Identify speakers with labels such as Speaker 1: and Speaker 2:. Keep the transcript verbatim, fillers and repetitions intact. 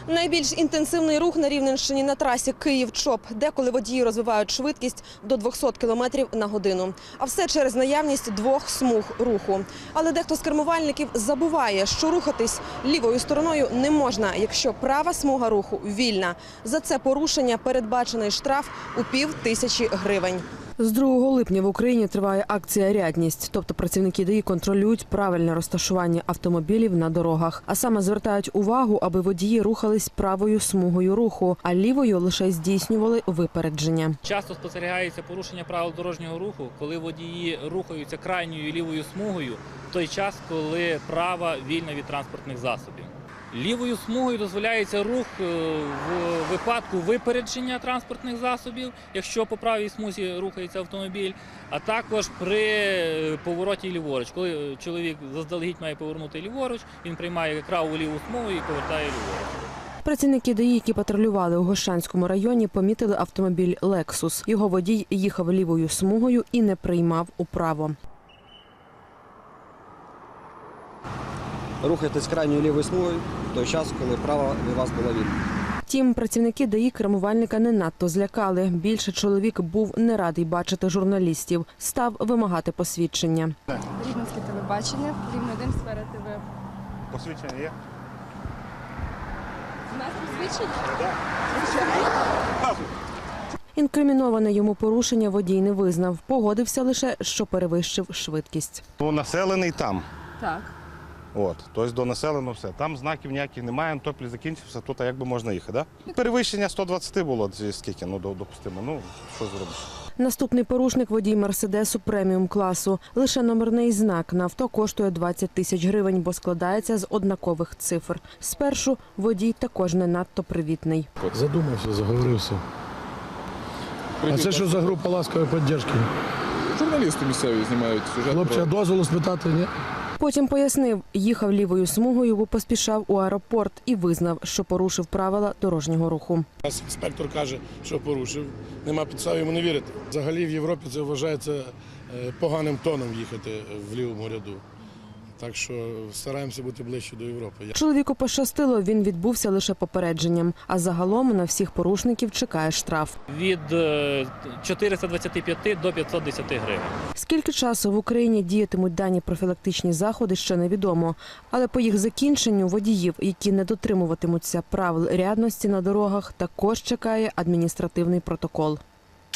Speaker 1: Найбільш інтенсивний рух на Рівненщині на трасі Київ-Чоп, деколи водії розвивають швидкість до двохсот кілометрів на годину. А все через наявність двох смуг руху. Але дехто з кермувальників забуває, що рухатись лівою стороною не можна, якщо права смуга руху вільна. За це порушення передбачений штраф у пів тисячі гривень. З другого липня в Україні триває акція «Рядність», тобто працівники ДАІ контролюють правильне розташування автомобілів на дорогах. А саме звертають увагу, аби водії рухались правою смугою руху, а лівою лише здійснювали випередження.
Speaker 2: Часто спостерігається порушення правил дорожнього руху, коли водії рухаються крайньою лівою смугою в той час, коли права вільна від транспортних засобів. Лівою смугою дозволяється рух в випадку випередження транспортних засобів, якщо по правій смузі рухається автомобіль, а також при повороті ліворуч. Коли чоловік заздалегідь має повернути ліворуч, він приймає праву ліву смугу і повертає ліворуч.
Speaker 1: Працівники ДАІ, які патрулювали у Гощанському районі, помітили автомобіль «Лексус». Його водій їхав лівою смугою і не приймав управо.
Speaker 3: Рухайтесь крайньою лівою смугою в той час, коли права від вас була вільна.
Speaker 1: Втім, працівники ДАІ кермувальника не надто злякали. Більше чоловік був не радий бачити журналістів. Став вимагати посвідчення.
Speaker 4: Рівненське телебачення, Рівне один, Сфера ТВ.
Speaker 5: Посвідчення є?
Speaker 4: У нас посвідчення?
Speaker 5: Так.
Speaker 1: Інкриміноване йому порушення водій не визнав. Погодився лише, що перевищив швидкість.
Speaker 5: То населений там.
Speaker 4: Так.
Speaker 5: От, тобто до населеного все. Там знаків ніяких немає, топлі закінчився, тут як би можна їхати, да? Перевищення сто двадцять було, скільки, ну, допустимо, ну, що зробиш.
Speaker 1: Наступний порушник – водій «Мерседесу» преміум-класу. Лише номерний знак на авто коштує двадцять тисяч гривень, бо складається з однакових цифр. Спершу водій також не надто привітний.
Speaker 6: Задумався, заговорився. А це що за група ласкової підтримки?
Speaker 7: Журналісти місцеві знімають сюжет.
Speaker 6: Хлопці, а дозволу спитати, ні?
Speaker 1: Потім пояснив, їхав лівою смугою, бо поспішав у аеропорт і визнав, що порушив правила дорожнього руху.
Speaker 6: Нас інспектор каже, що порушив. Нема підстав йому не вірити. Взагалі в Європі це вважається поганим тоном їхати в лівому ряду. Так що стараємося бути ближче до Європи.
Speaker 1: Чоловіку пощастило, він відбувся лише попередженням. А загалом на всіх порушників чекає штраф.
Speaker 2: Від чотириста двадцяти п'яти до п'ятсот десяти гривень.
Speaker 1: Скільки часу в Україні діятимуть дані профілактичні заходи, ще невідомо. Але по їх закінченню водіїв, які не дотримуватимуться правил рядності на дорогах, також чекає адміністративний протокол.